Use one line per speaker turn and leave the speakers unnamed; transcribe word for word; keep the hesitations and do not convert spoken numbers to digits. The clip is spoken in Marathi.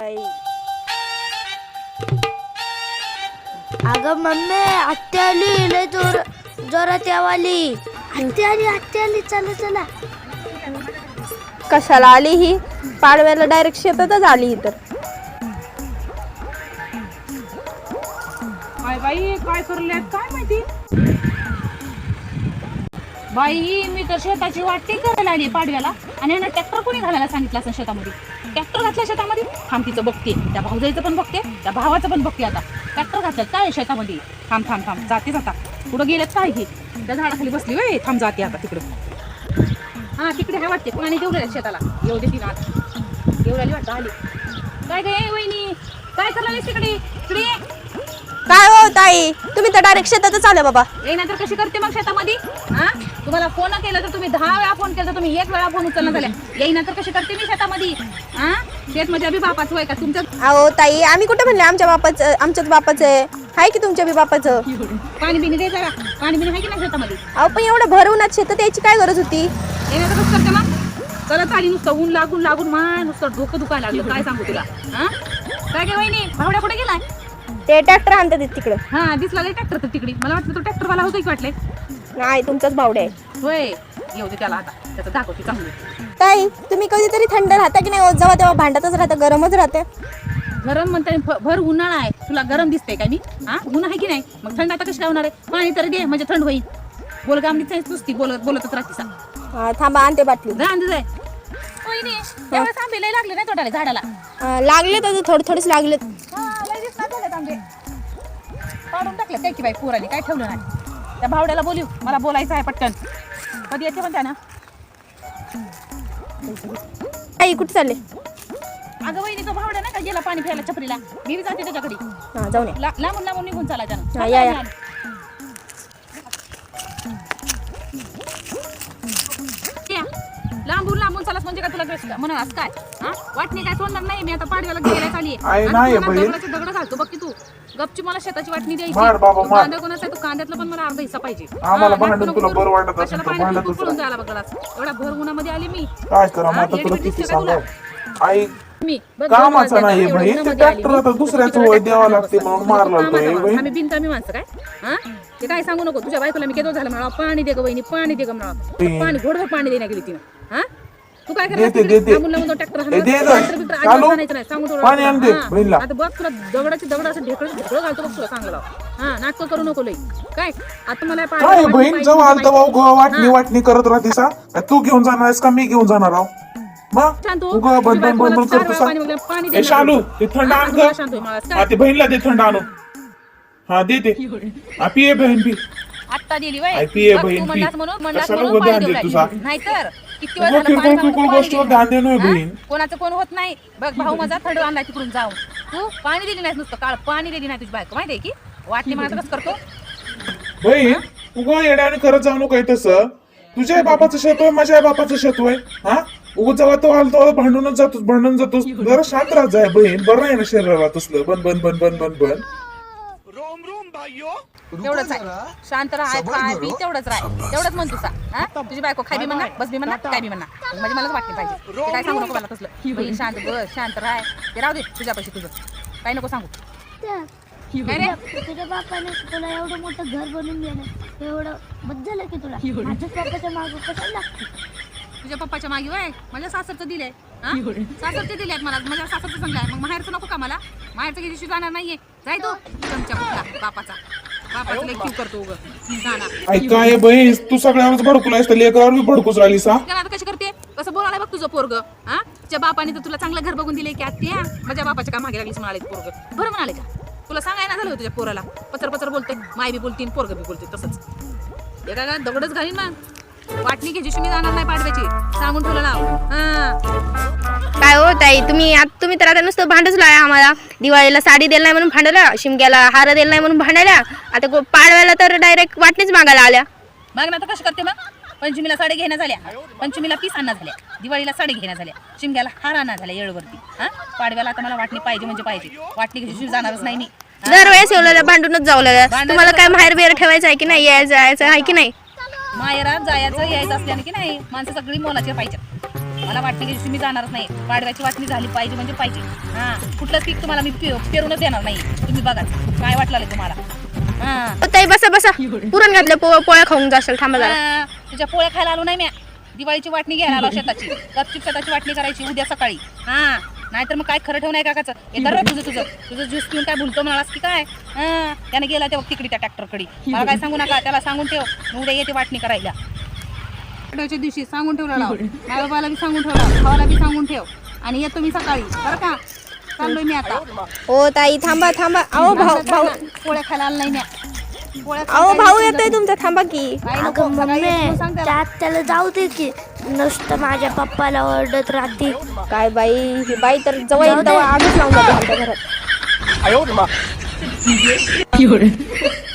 ताई.
अगं मम्मी आत्या आली लय जोर जोरात यावाली. आत्या आली आत्या आली चला चला.
कशाला आली ही? पाडव्याला डायरेक्ट शेतातच आली तर.
काय बाई काय करले काय माहिती बाई. मी तर शेताची वाटणी करायला आली पाडव्याला आणि यांना ट्रॅक्टर कोणी घालायला सांगितलं असं शेतामध्ये. ट्रॅक्टर घातल्या शेतामध्ये. थांब तिचं बघते, त्या भाऊजाईचं पण बघते, त्या भावाचं पण बघते. आता ट्रॅक्टर घातलं काय शेतामध्ये. थांब थांब थांब जाते जाता पुढं गेलेत काय हे. त्या झाडाखाली बसली वय. थांब जाते आता तिकडं. हा तिकडे हे वाटते पाणी देऊ शेताला. येऊ दे तिला येऊ आली वाटतं. आली काय काय वहिनी काय करणार तिकडे इकडे.
काय हो ताई, तुम्ही तर डायरेक्ट शेतातच आले बाबा.
येईनंतर कशी करते मग शेतामध्ये. हा तुम्हाला फोन केला तर तुम्ही दहा वेळा फोन केला तर तुम्ही एक वेळा फोन उचलला झाल्या. येईनंतर कशी करते मी शेतामध्ये. हा शेत मध्ये अभि बापाचं होय का तुमचं.
अहो ताई, आम्ही कुठे म्हणले आमच्या बापाचं. आमच्याच बापाचं आहे. हाय की तुमच्या बी बापाचं.
पाणी बिणी दे जरा. पाणी बिणी आहे की नाही शेतामध्ये.
अहो पण एवढं भरवून शेतात यायची काय गरज होती.
येईनंतर कसं करते मग. करत आली नुसतं ऊन लागून लागून माय नुसतं डोकं दुखायला लागलं. काय सांगू तुला. हा काय काय वहिनी भावड्या कुठे गेलाय.
ते ट्रॅक्टर आणतात तिकडं.
हा दिसला ट्रॅक्टर तर तिकडे. मला वाटलं तो ट्रॅक्टर वाला होता की वाटले.
नाही तुमचाच भावडे आहे.
होय येऊ दे त्याला आता त्याचं दाखवते चांगली.
ताई तुम्ही कधीतरी थंड राहता की नाही. जेव्हा तेव्हा भांडतच राहतं, गरमच राहते.
गरम म्हणते भर उन्हाळा आहे. तुला गरम दिसते काय मी. हा ऊन आहे की नाही. मग थंड आता कशी काय होणार आहे. पाणी तरी दे म्हणजे थंड होईल. बोल का आमची नुसती बोलत बोलतच राहते सा.
हा, थांबा आणते बाटली.
रांद जाय वहिनी. त्यावेळेस आंबे लय लागले नाही तोडाले झाडाला.
हा, लागले तर थोडे थोडेच लागलेत.
हा लय दिसणार झालेत आंबे. काढून टाकले काय की बाई पोराने काय ठेवलं नाही. त्या भावड्याला बोलू मला बोलायचं आहे पटकन. कधी येते म्हणते ना.
ताई कुठे चालले.
अगं वहिनी तो भावड्या नाही का गेला पाणी प्यायला छपरीला. मी बी जाते त्याच्याकडे.
हा जाऊन या.
लांबून लांबून निघून चाला
हा,
त्यानं.
या, या.
लांबून लांबून चालत म्हणजे काय तुला म्हणास काय. हा वाटणी काय सोडणार नाही मी आता पाडव्याला गेला चाली दगड घालतो बघ की तू. गपची मला शेताची वाटणी द्यायची. कांदा कोणाचा आहे तो कांद्यातला पण मला अर्धा हिस्सा पाहिजे.
आम्हाला भांडण तुला बरं वाटत असेल तर भांडण
तू पळून जायला बघ एवढा भर उन्हामध्ये आली मी.
काय करा मग आता तुला किती सांगा. आई
मी
कामाचा नाही बहीण. ते ट्रॅक्टर आता दुसऱ्याचं वय द्यावं लागते म्हणून मारला
आम्ही बिनकामी माणसं काय. हा ते काय सांगू नको. तुझ्या बायकोला मी केलं झालं म्हणा पाणी दे ग वहिनी पाणी दे ग म्हणा. पाणी घोडभर पाणी देण्या गेली तिनं. हा तू काय करायचं आता बघ तुला दगडाची दगड असं ढेकळ ढेकळ घालतो बघ तुला सांगला. हा नाटक करू नको लई. काय आता मला
काय बहीण जेव्हा आलता भाऊ वाटणी वाटणी करत राहते सा. तू घेऊन जाणार का मी घेऊन जाणार आहो. मग तू बंद बंद बंद करतो सा. शालू ते थंड आण ग. ते बहीणला दे थंड आणून. हा दे दे पिये बहीण पी.
आत्ता दिली बाई.
पिये बहीण पी.
म्हणून ध्यान दे तुझा. नाहीतर किती वेळ झालं
गोष्टीवर ध्यान दे नाही बहीण.
कोणाचं कोण होत नाही. बघ भाऊ माझा थंड आणलाय तिकडून जाऊन. तू पाणी दिली नाही नुसतं काळ पाणी दिली नाही तुझी बायको माहिती आहे की. वाटणी मला कसं करतो
बहीण. उगा येड्याने करत जाऊ नको तसं. तुझ्या बापाचं शेत होय माझ्या बापाचं शेत होय. हा उगा जेव्हा तो आलतो भांडूनच जातोस भांडून जातोस. जरा शांत राहत जाय बहीण. बरं नाही ना शरीराला तसलं बन बन बन बन बन बन.
तेवढंच आहे. शांत राहाय खाय पी तेवढंच राह. तेवढंच म्हण तुझा. हा तुझी बायको खाय बी म्हणा बस बी म्हणा काय बी म्हणा. म्हणजे मलाच वाटणी पाहिजे. ते काय सांगू नको मला तसलं. बहीण शांत बस शांत राह. ते राहू दे तुझ्यापाशी तुझं काय नको सांगू. काय रे
तुझ्या बापाने तुला एवढं मोठं घर बनवून देणं एवढं बद्दल झालं की तुला. माझ्या बापाच्या मागं कशाला लागते.
तुझ्या पप्पाच्या मागे वय माझ्या सासरचं दिलंय. सासरचे दिले मला माझ्या सासरचं सांगलाय. मग माहेरचं नको का मला. माहेरचं किती दिवशी जाणार नाहीये. जाय तू तुमच्या कुठला बापाचा. बापाचं लई क्यू करतो उगं.
ऐक काय बहीण तू सगळ्यावरच भडकूलायस तर लेकरावर बी भडकूच राहिली सा.
आता कशी करते कसं बोलायला बघ तुझं पोरग. हा तुझ्या बापाने तर तुला चांगलं घर बघून दिले की आत्या माझ्या बापाच्या का मागे लागलीस म्हणाले पोरग. बरं म्हणाले का तुला सांगायला झालं तुझ्या पोराला. पचर पचर बोलते माय बी बोलते पोरग बी बोलते तसंच. हे काय दगडच घालीन मग. वाटणी घ्यायची मी जाणार नाही पाडव्याची सांगून ठेवलं नाव. हा
काय हो ताई तुम्ही आता तुम्ही तर आता नुसतं भांडच लाय आम्हाला. दिवाळीला साडी दिलं नाही म्हणून भांडला. शिमग्याला हार दिला नाही म्हणून भांडायला. आता पाडव्याला तर डायरेक्ट वाटणीच मागायला आल्या.
मग ना तर कशी करते मग. पंचमीला साडी घेण्या झाल्या. पंचमीला पीस आणा झाल्या. दिवाळीला साडी घेण्या झाल्या. शिमग्याला हार आणा झाल्या येळवरती. हा पाडव्याला आता मला वाटणी पाहिजे म्हणजे पाहिजे. वाटणी घ्यायची जाणारच नाही मी.
दरवेळेस एवढ्या भांडूनच जाऊ लागल्या. तुम्हाला काय माहेर बिहेर ठेवायचं आहे की नाही यायचं जायचं आहे की नाही.
माहेरात जायचं यायचं असल्याने की नाही माणसं सगळी मोलाची पाहिजे. मला वाटणी दिवशी मी जाणारच नाही. पाडव्याची वाटणी झाली पाहिजे म्हणजे पाहिजे. हा कुठलंच पीक तुम्हाला मी पे- पेरूनच देणार नाही. तुम्ही बघा काय वाटलं तुम्हाला. हा
ताई बसा बसा, पुरण घातलं पो- पोळ्या खाऊन जाशाल. थांबा जरा.
हा, तुझ्या पोळ्या खायला आलो नाही मी. दिवाळीची वाटणी घ्यायला आलो शेताची. गपचूप शेताची वाटणी करायची उद्या सकाळी. हा नाहीतर मग काय खरं ठेवून आहे काकाचं. हे तर तुझं तुझं तुझं ज्यूस पिऊन काय भुलतो म्हणालास की काय. हा त्याने गेला तेव्हा तिकडे त्या ट्रॅक्टरकडे. मला काय सांगू नका, त्याला सांगून ठेव मी उद्या येते वाटणी करायला. आठवड्याच्या दिवशी सांगून ठेवलं लाव. आई बाबाला बी सांगून ठेवला, भावाला बी सांगून ठेव. आणि येतो मी सकाळी बरं का. चाललोय मी आता.
हो ताई थांबा थांबा. अहो भाऊ भाऊ
पोळ्या खायला आलं नाही म्या. पोळ्या
अहो भाऊ येतोय तुमचा, थांबा की.
काय नको,
अगं
सकाळी येतो
मम्मी
सांग त्याला.
त्यात त्याला जाऊ दे की, नुसतं माझ्या पप्पाला ओरडत राहते.
काय बाई, ही बाई तर जवळ येईल तेव्हा आगच लावून जाते आमच्या घरात.